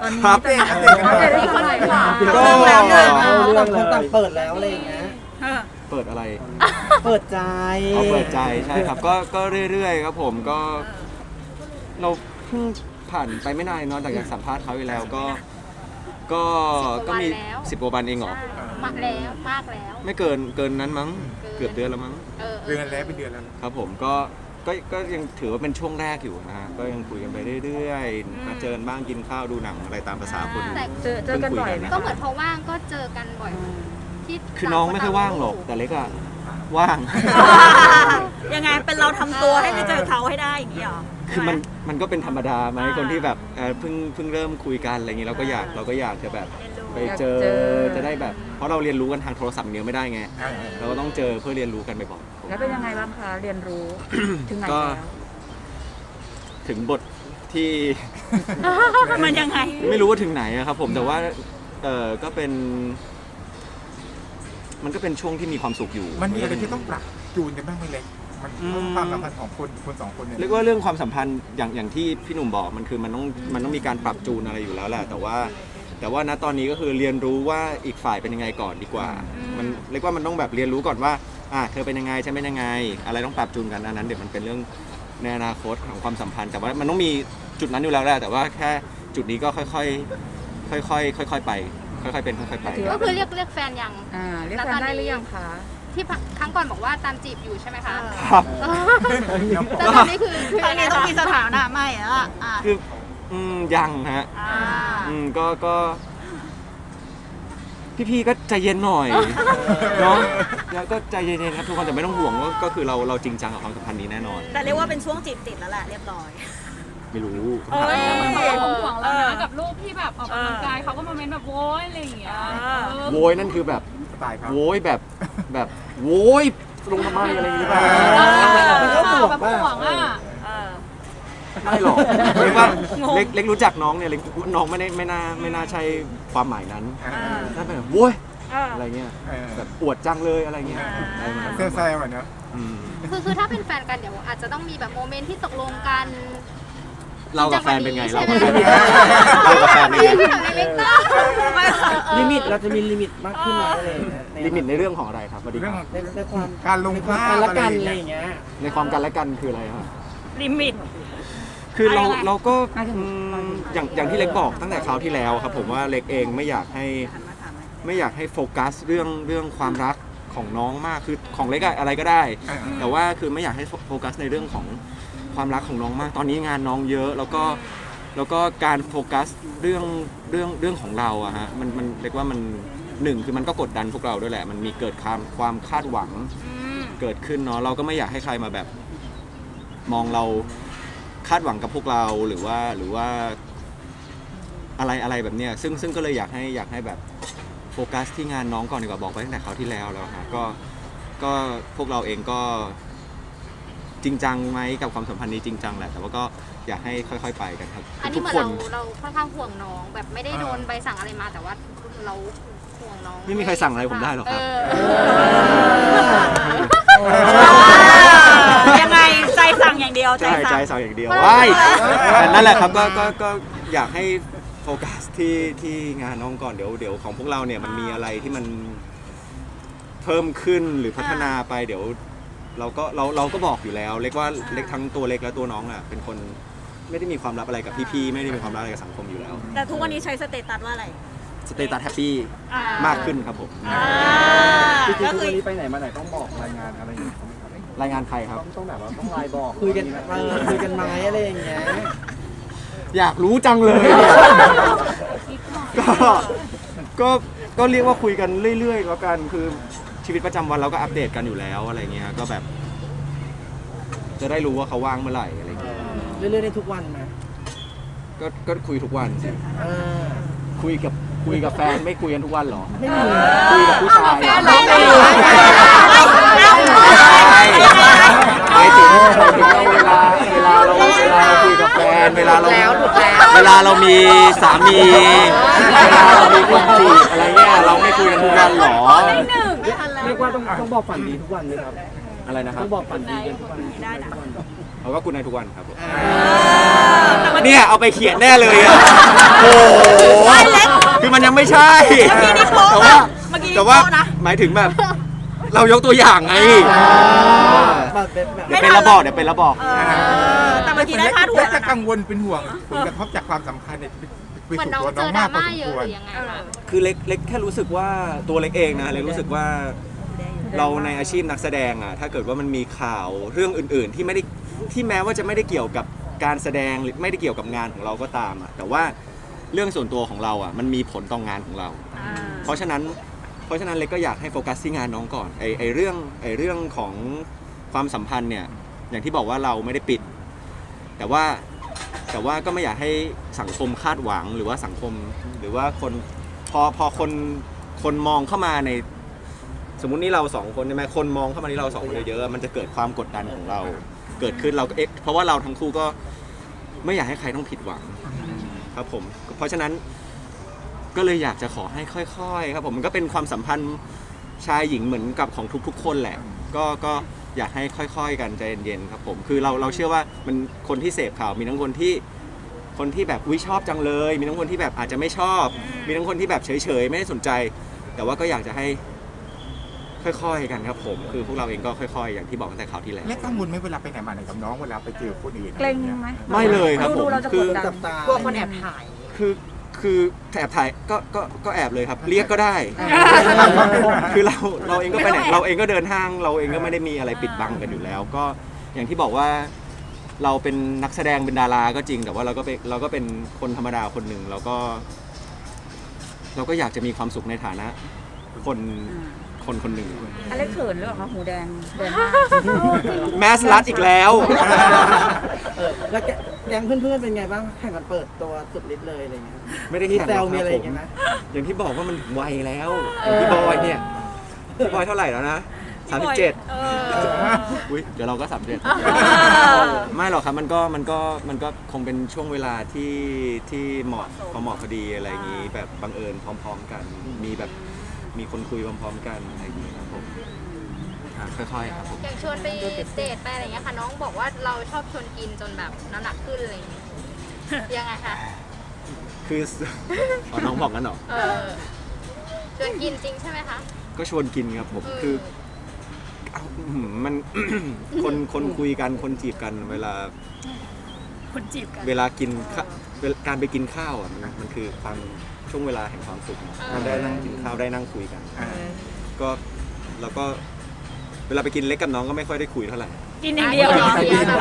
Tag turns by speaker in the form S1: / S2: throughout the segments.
S1: อนนี้
S2: ครับ
S1: จะ
S3: อัปเดตกันหน่อย
S1: อีกคนหน่อยค่ะ
S3: ก็
S1: เรื่องแล้วเรื่อง
S3: เรื่องคนต่างเปิดแล้วอะไรอย่างเงี้ย
S2: เปิดอะไร
S3: เปิดใจ
S2: เอาเปิดใจใช่ครับก็เรื่อยๆครับผมก็เราเพิ่งผ่านไปไม่นานเนาะจากสัมภาษณ์เขาไปแล้วก็มี10 กว่าวันเองเหรอ
S4: มากแล้วมากแล้ว
S2: ไม่เกินนั้นมั้งเกือบเดือนแล้วมั้ง
S3: เดือนแล้วเป็นเดือนแล้ว
S2: ครับผมก็ยังถือว่าเป็นช่วงแรกอยู่นะฮะก็ยังคุยกันไปเรื่อยๆมาเจอกันบ้างกินข้าวดูหนังอะไรตามภาษาคน
S4: แต่
S1: เจอกันบ่อยไหม
S4: ก็เหมือนพอว่างก็เจอกันบ่อยที่
S2: คือน้องไม่ค่อยว่างหรอกแต่เล็กอะว่าง
S5: ยังไงเป็นเราทำตัวให้ไปเจอเขาให้ได้อย่างนี้หรอ
S2: คือมันก็เป็นธรรมดาไหมคนที่แบบเพิ่งเริ่มคุยกันอะไรอย่างนี้เราก็อยากจะแบบไปเจอจะได้แบบเพราะเราเรียนรู้กันทางโทรศัพท์เดียวไม่ได้ไงเราก็ต้องเจอเพื่อเรียนรู้กันบ่อยๆ
S1: แล้วเป็นยังไงบ้างคะเรียนรู้ ถึงไหน
S2: ก็
S1: แล้ว
S2: ถึงบทที่
S5: มันยังไง
S2: ไม่รู้ว่าถึงไหนอะครับผมแต่ว่าก็เป็นมันก็เป็นช่วงที่มีความสุขอยู่
S3: มันมีอะไรที่ต้องปรับจูนกันบ้างไหมเล็กมันความสัมพันธ์ของคนสองคนเนี่ย
S2: เรียกว่าเรื่องความสัมพันธ์อย่างที่พี่หนุ่มบอกมันคือมันต้องมีการปรับจูนอะไรอยู่แล้วแหละแต่ว่าณตอนนี้ก็คือเรียนรู้ว่าอีกฝ่ายเป็นยังไงก่อนดีกว่ามันเรียกว่ามันต้องแบบเรียนรู้ก่อนว่าเธอเป็นยังไงฉันเป็นยังไงอะไรต้องปรับจูนกันอันนั้นเดี๋ยวมันเป็นเรื่องในอนาคตของความสัมพันธ์แต่ว่ามันต้องมีจุดนั้นอยู่แล้วแหละแต่ว่าแค่จุดนี้ก็ค่อยๆไปค่อยๆเป็นค่อยๆไป
S4: ก็คือเรียกแฟนยัง
S1: เรียกแฟนได้หรือยังคะ
S4: ที่ครั้งก่อนบอกว่าตามจีบอยู่ใช่ไหมคะ
S2: ครับ
S4: แต่ตอนนี้คือ
S5: ครั้งนี้ต้องมีสถานะใหม่แล้วล่ะ
S2: คือยังฮะก็พี่ๆก็ใจเย็นหน่อยเนาะแล้วก็ใจเย็นๆครับทุกคนแต่ไม่ต้องห่วงว่าก็คือเราจริงจังกับความสัมพันธ์นี้แน่นอน
S5: แต่เรียกว่าเป็นช่วงจีบติดแล้วแหละเรียบร้อย
S2: ไม่รู้
S6: ผมห่วงแล้วนะกับรูปที่แบบออกกำลังกายเขาก็มาเม้นแบบโว้ยอะไรอย่างเงี้ย
S2: โวยนั่นคือแบบ
S3: สไตล์เขา
S2: โวยแบบโวยลงทำไมอะไรอย่างเงี้ย
S3: มันก็ห่วง
S6: แบบ
S3: ป่ะ
S6: ห่วงอ่ะ
S2: ไม่หรอกเรียกว่าเล็กรู้จักน้องเนี่ยเล็กน้องไม่น่าใช่ความหมายนั้นน่าเป็นแบบโวยอะไรเงี้ยแบบอวดจังเลยอะไรเงี้ยอะไรประมาณนั้น
S3: เซลล์ๆเนาะ
S4: คือถ้าเป็นแฟนกันเดี๋ยวอาจจะต้องมีแบบโมเมนต์ที่ตกลงกัน
S2: เรากับแฟนเป็นไง
S4: ใช่
S2: เรา
S4: ไหม
S2: กับแฟนเป็นไง
S4: ที่แบบเล็กๆก็
S3: ลิมิตเราจะมีลิมิตมากขึ้นไหมอะไรอย่างเงี้ย
S2: ลิมิตในเรื่องของอะไรครับสวัสดีค
S3: เรื่อง
S2: รับ
S3: ในความการลงภาพละกันอะไรอย่างเงี้ย
S2: ในความกันและกันคืออะไรครับ
S5: ลิมิต
S2: คือเรา
S5: อะไร
S2: เราก็อย่างที่เล็กบอกตั้งแต่คราวที่แล้วครับผมว่าเล็กเองไม่อยากให้โฟกัสเรื่องความรักของน้องมากคือของเล็กอะอะไรก็ได้ แต่ว่าคือไม่อยากให้โฟกัสในเรื่องของความรักของน้องมาก ตอนนี้งานน้องเยอะแล้วก็การโฟกัสเรื่องของเราอะฮะมันเรียกว่ามันหนึ่งคือมันก็กดดันพวกเราด้วยแหละมันมีเกิดความคาดหวังเกิดขึ้นเนาะเราก็ไม่อยากให้ใครมาแบบมองเราคาดหวังกับพวกเราหรือว่าอะไรแบบเนี้ยซึ่งก็เลยอยากให้แบบโฟกัสที่งานน้องก่อนดีกว่าบอกไปตั้งแต่คราวที่แล้วฮะก็พวกเราเองก็จริงจังไหมกับความสัมพันธ์นี้จริงจังแหละแต่ว่าก็อยากให้ค่อยๆไปกันครับ
S4: อันนี้
S2: ทุก
S4: เหมือน
S2: คน
S4: เราค่อนข้างห่วงน้องแบบไม่ได้โดนใบสั่งอะไรมาแต่ว่าเราห่วงน้อง
S2: ไม่มีใครสั่งอะไรผมได้หรอกครับ
S5: ยังไงใจสั่งอย่างเดียวใจ
S2: ใจ
S5: สั่ง
S2: สั่งอย่างเดียวว้ายแต่นั่นแหละครับก็อยากให้โฟกัสที่งานน้องก่อนเดี๋ยวของพวกเราเนี่ยมันมีอะไรที่มันเพิ่มขึ้นหรือพัฒนาไปเดี๋ยวเราก็บอกอยู่แล้วเล็กว่าเล็กทั้งตัวเล็กและตัวน้องอ่ะเป็นคนไม่ได้มีความลับอะไรกับพี่ๆไม่ได้มีความลับอะไรกับสังคมอยู่แล้ว
S5: แต่ทุกวันนี้ใช้สเตตัสว่าอะไร
S2: สเตตัสแฮปปี้มากขึ้นครับผม
S3: จริงๆ
S5: ก็
S3: ทุก
S5: คือ
S3: วันนี้ไปไหนมาไหนต้องบอกรายงานอะไรอย่างเงี้ย
S2: รายงานใครครับ
S3: ต้องแบบว่าต้องไลน์บอกคุยกันไหมอะไรอย่างเงี้ย
S2: อยากรู้จังเลย ก็เรียกว่าคุยกันเรื่อยๆแล้วกันคือชีวิตประจำวันเราก็อัปเดตกันอยู่แล้วอะไรเงี้ยก็แบบ จะได้รู้ว่าเขาว่างเมื่อไหร่อะไรเงี้ย
S3: เรื่อยๆได้ทุกวันไหม
S2: ก็คุยทุกวันสิคุยกับแฟนไม่คุยกันทุกวันหรอ
S3: ไม่มี
S2: คุยกับผู้ชายหมายถึงเวลาเราคุยกับแฟนเวลาเรามีสามีเวลาเรามีคนจีบอะไรเงี้ยเราไม่คุยกันทุกวันหรอ
S3: เรียกว่าต้องบอกฝันดีทุกวันเลยครับ
S2: อะไรนะครับ
S3: ต้องบอกฝันดีกันทุกวัน
S5: ได้นะ
S2: เขาก็คุณนายทุกวันครับผม
S5: แต่มัน
S2: เนี่ยเอาไปเขียนแน่เลยอ่ะโอ้โหคือมันยังไม่ใช่
S5: เมื่อกี้นี่โป๊ะ
S2: แต่ว่า
S5: นะเมื่อกี้นี่
S2: แต่ว่า
S5: โป๊ะนะ
S2: หมายถึงแบบ เรายกตัวอย่างไงเดี๋ยวเป็นระบอก
S5: แต่เมื่อกี้ได้พาดหัว
S3: เล็ก
S5: แล้
S3: จะ
S5: วนะ
S3: กังวลเป็นห่วงผลกระทบจากความสัมพันธ์เนี่ยไป
S4: เหมือน
S3: สู่
S4: น้อง
S3: ตัว
S4: เจ
S3: น้อ
S4: อง ด
S3: มา
S4: ราก
S3: พอ
S4: ม่า
S3: สม
S4: เยอะ
S3: ควร
S4: หรือยังไงคะ
S2: คือเล็กแค่รู้สึกว่าตัวเล็กเองนะเล็กรู้สึกว่าเราในอาชีพนักแสดงอ่ะถ้าเกิดว่ามันมีข่าวเรื่องอื่นๆ ที่แม้ว่าจะไม่ได้เกี่ยวกับการแสดงหรือไม่ได้เกี่ยวกับงานของเราก็ตามอ่ะแต่ว่าเรื่องส่วนตัวของเราอ่ะมันมีผลต่องานของเรา เพราะฉะนั้นเล็กก็อยากให้โฟกัสที่งานน้องก่อนไอเรื่องของความสัมพันธ์เนี่ยอย่างที่บอกว่าเราไม่ได้ปิด แต่ว่าก็ไม่อยากให้สังคมคาดหวังหรือว่าสังคมหรือว่าคนพอคนมองเข้ามาในสมมุตินี่เราสองคนใช่ไหมคนมองเข้ามาที่เราสองคนเยอะๆมันจะเกิดความกดดันของเราเกิดขึ้นเราก็เพราะว่าเราทั้งคู่ก็ไม่อยากให้ใครต้องผิดหวังครับผมเพราะฉะนั้นก็เลยอยากจะขอให้ค่อยๆครับผมมันก็เป็นความสัมพันธ์ชายหญิงเหมือนกับของทุกๆคนแหละก็อยากให้ค่อยๆกันใจเย็นๆครับผมคือเราเชื่อว่ามันคนที่เสพข่าวมีทั้งคนที่แบบอุ๊ยชอบจังเลยมีทั้งคนที่แบบอาจจะไม่ชอบมีทั้งคนที่แบบเฉยๆไม่ได้สนใจแต่ว่าก็อยากจะให้ค่อยๆกันครับผมคือพวกเราเองก็ค่อยๆอย่างที่บอกตั้งแต่ข่าวที่แล้ว
S3: เล็กกังวลไหมเวลาไปไหนมาไหนกับน้องเวลาไปเจอคนอื่น
S1: เกรงไหม
S2: ไม่เลยครับผม
S1: ดูเราจะ
S2: คื
S1: ก
S2: อ
S1: ดดัน
S7: กลัวคนแอบถ่าย
S2: คือแอบถ่ายก็แอบเลยครับ เรียกก็ได้ คือเราเองก็ไปไหนเราเองก็เดินห้างเราเองก็ไม่ได้มีอะไรปิดบังกันอยู่แล้ว ก็อย่างที่บอกว่าเราเป็นนักแสดงเป็นดาราก็จริง แต่ว่าเราก็เป็นคนธรรมดาคนหนึ่งเราก็อยากจะมีความสุขในฐานะคนหนึ่ง
S1: อะไรเขินหรือเปล่าคะหูแดงเดินหน้า
S2: แมสลัดอีกแล้ว
S7: แล้วแก๊งเพื่อนๆเป็นไงบ้างแข่งกันเปิดตัวสุดฤทธิ์เลยอะไรเงี้ย
S2: ไม่ได้
S7: มี
S2: แข่ง
S7: แซ
S2: หร
S7: ว
S2: อก
S7: มี
S2: ค
S7: อะ
S2: รับ
S7: ไร
S2: ผ
S7: อย่าง
S2: ม
S7: เงี้ยนะ
S2: อย่างที่บอกว่ามันถึงวัยแล้วพี่บอยเนี่ยพี่บอยเท่าไหร่แล้วนะ37อุ้ยเดี๋ยวเราก็37ไม่หรอกครับมันก็คงเป็นช่วงเวลาที่เหมาะพอดีอะไรอย่างนี้แบบบังเอิญพร้อมๆกันมีคนคุยพร้อมๆกันอะไรอย่างนี้ครับผมค่อยๆครับผม
S4: อย่างชวนไปเดทไปอะไรอย่างเงี้ยค่ะน้องบอกว่าเราชอบชวนกินจนแบบน้ำหนักขึ้นอะไรอย่างเงี้ยยังไงคะ
S2: คือน้องบอกกันเหรอ
S4: ชวนกินจริงใช่ไหมคะ
S2: ก็ชวนกินครับผมคือมัน คนคุยกันคนจีบกันเวลา
S5: คนจีบกัน
S2: เวลากินการไปกินข้าวอ่ะมันคือความช่วงเวลาแห่งความสุขมันได้นั่งกินข้าวได้นั่งคุยกันก็แล้วก็เวลาไปกินเล็กกับน้องก็ไม่ค่อยได้คุยเท่าไหร่
S5: กินอย่างเดียวเหรอ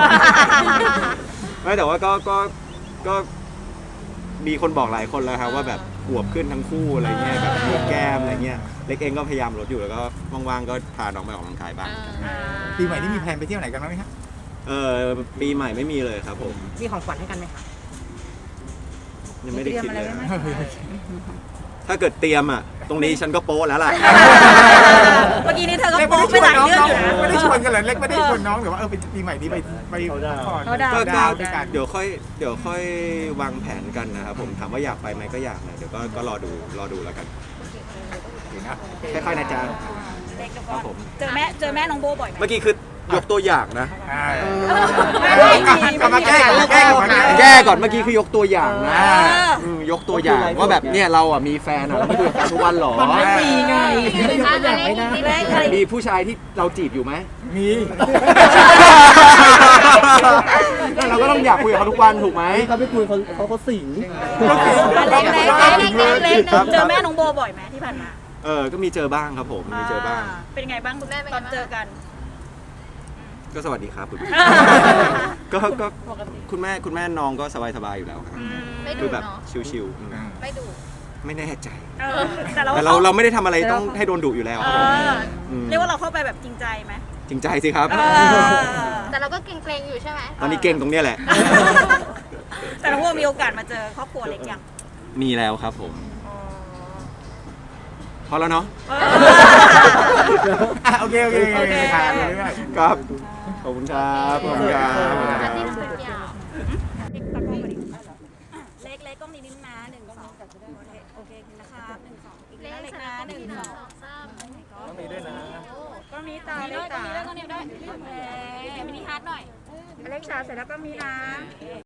S2: ไม่แต่ว่าก็มีคนบอกหลายคนแล้วครับว่าแบบอวบขึ้นทั้งคู่อะไรเงี้ยแบบมีแก้มอะไรเงี้ยเล็กเองก็พยายามลดอยู่แล้วก็ว่างๆก็พาน้องไปออกกำลังกายบ้าง
S3: ปีใหม่นี่มีแพลนไปเที่ยวไหนกันบ้างไหมครับ
S2: ปีใหม่ไม่มีเลยครับผม
S7: มีของขวัญให้กันไหมคะ
S2: ยังไม่ได้คิดเลย
S1: เตรียมอะไรไว้ไหม
S2: ถ้าเกิดเตรียมอ่ะตรงนี้ฉันก็โป๊ะแล้วล่ะ
S5: เมื่อกี้นี้เธอก็
S3: เล็ก
S5: โป๊ะไปหลายเรื่องอยู่นะ
S3: ไม่ได้ชวนกันเลยเล็กไม่ได้ชวนน้องหรือว่าเป็นปีใหม่นี้ไปก่อน
S1: เขาดาว
S2: ก็
S3: ดาวด้วยกัน
S2: เดี๋ยวค่อยวางแผนกันนะครับผมถามว่าอยากไปไหมก็อยากนะเดี๋ยวก็รอดูแล้วกันค่อยๆนะจ๊ะครับผม
S5: เจอแม่น้องโบบ่อยไหม
S2: เมื่อกี้คือยกตัวอย่างนะ
S3: กลับมาแก้ก่อน
S2: แก้ก่อนเมื่อกี้คือยกตัวอย่างนะยกตัวอย่างว่าแบบเนี่ยเราอ่ะมีแฟนอ่ะเราไม่คุยกับแฟนทุกวันหรอ
S7: มันไม่มีไงไม่ยกตัวอย่างไม่ได้
S2: มีผู้ชายที่เราจีบอยู่ไหม
S3: มี
S2: เราก็ต้องอยากคุยกับเขาทุกวันถูกไหม
S7: เขาไปคุยเขาสิง
S5: เล็กเจอแม่น้องโบบ่อยไหมที่ผ่านมา
S2: ก็มีเจอบ้างครับผมมีเจอบ้าง
S5: เป็นไงบ้างตอนเจอกัน
S2: ก็สวัสดีครับคุณก็คุณแม่น้องก็สบายๆอยู่แล้วครับ
S4: ไม่
S2: คื
S4: ดู
S2: อแบบ
S4: เนาะ
S2: ชิว
S4: ไม่ดู
S2: ๆไม่แน่ใจ
S5: แต่
S2: แต่เราไม่ได้ทำอะไรต้องให้โดนดุอยู่แล้วครับผม
S5: เรียกว่าเราเข้าไปแบบจริงใจไหม
S2: จริงใจสิครับ
S4: แต่เราก็เกรงๆอยู่ใช่ไหม
S2: ตอนนี้เก่งตรงเนี้ยแหละ
S5: แต่น้องโบมีโอกาสมาเจอครอบครัวเล็กยัง
S2: มีแล้วครับผมพอแล้วเนาะ
S3: โอเคผ่านเลย
S2: ครับขอบคุณครับขอบคุณครับ
S4: อาทิตย์สุดยาว
S5: เล็กๆก็มีนิ้วนะ1 2โอเคนะครับ1 2อีก
S4: เล็
S5: แล้ว
S4: ก
S5: เล็ก
S4: นะ
S5: นะ1 2
S6: ก็มีด้วยนะ
S5: ก็มีตา
S6: มีด้วยก็มีด้วยก็มีด้วยมินิฮาร์ดหน่อย
S5: เ
S1: อเล็กซ์เสร็จแล้วก็มีนะ